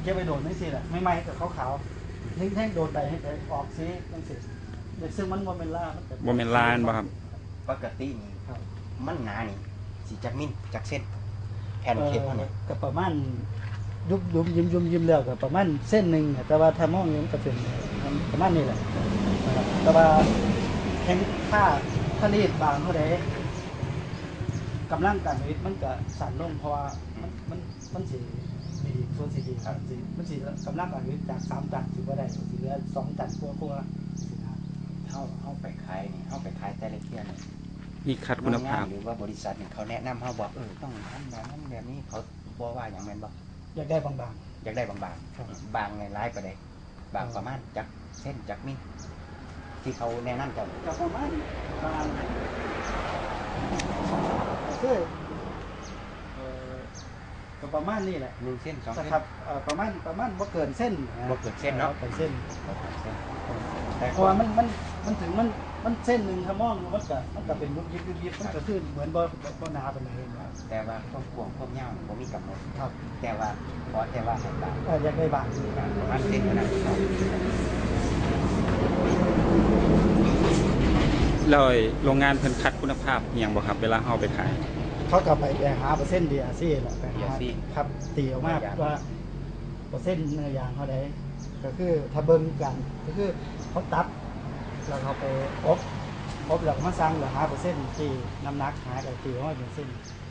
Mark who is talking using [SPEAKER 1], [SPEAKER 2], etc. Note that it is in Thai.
[SPEAKER 1] เก็บไปโดนไม่สิแหละไม่ไหม้กับขาวๆแท่งโดนใดให้ไปออกสีตั้งสิซึ่งมันโมเมนล่า
[SPEAKER 2] โมเมนลานบ่ครับ
[SPEAKER 3] ปกตินี่มันหนานี่สีจักมิลจักเส้นแผ่นเทปเนี่ย
[SPEAKER 1] ก็ประมาณยิ้มแล้วก็ประมาณเส้นหนึ่งแต่ว่าถ้ามองมันก็เป็นประมาณนี้แหละแต่ว่าแข็งถ้ารีดบางเท่าใดกำลังการผลิตมันก็สั่นลงเพราะว่ามันสีดีส่วนสีดีครับมันสีกำลังการผลิตจาก3 ตันถือว่าได้สีเหลือ2 ตันกว่าสินะ
[SPEAKER 3] เข้าไปขายนี่เข้าไปขายแต่ละเที่ยนี่
[SPEAKER 2] มีคัดคุณภาพ
[SPEAKER 3] หรือว่าบริษัทเนี่ยเขาแนะนำเขาบอกต้องทำแบบนั้นแบบนี้เขาบอกว่าอย่างนั้นบอก
[SPEAKER 1] อยากได้บาง
[SPEAKER 3] อยากได้บางบางในร้ายประเดี๋ยวบางประมาณจากเส้นจากมิลที่เขาแนะนำกัน
[SPEAKER 1] ประมาณคือประมาณนี้แหละ
[SPEAKER 3] 1 เส้น 2 เส้น
[SPEAKER 1] ครับประมาณบ่เกินเส้น
[SPEAKER 3] เนาะ
[SPEAKER 1] เกินเส้นแต่เพราะว่ามันถึงมันเส้นหนึ่งถ้ามองมันก็เป็นยิบมันก็ขึ้นเหมือนบ่หนาเป็นอะไร
[SPEAKER 3] แต่ว่าความยาวผมมีกำหนด
[SPEAKER 1] ครับ
[SPEAKER 3] แต่ว่าให้บาง
[SPEAKER 1] อยากได้บาง
[SPEAKER 3] ประมาณเส้นนั้น
[SPEAKER 2] เลยโรงงานเพิ่นคัดคุณภาพอย่างบ่ครับเวลาเอาไปขาย
[SPEAKER 1] เขากลับไปหาเปอร์เซ็นต์ดีอาซี่แหละครับตีออกมาว่าเปอร์เซ็นต์เนื้อยางเขาได้ก็คือถ้าเบิ้งกันก็คือเขาตัดแล้วเขาไปอบแล้วมาสร้างหรือหาเปอร์เซ็นต์ที่น้ำหนักหาแต่ตีว่าเป็นเส้น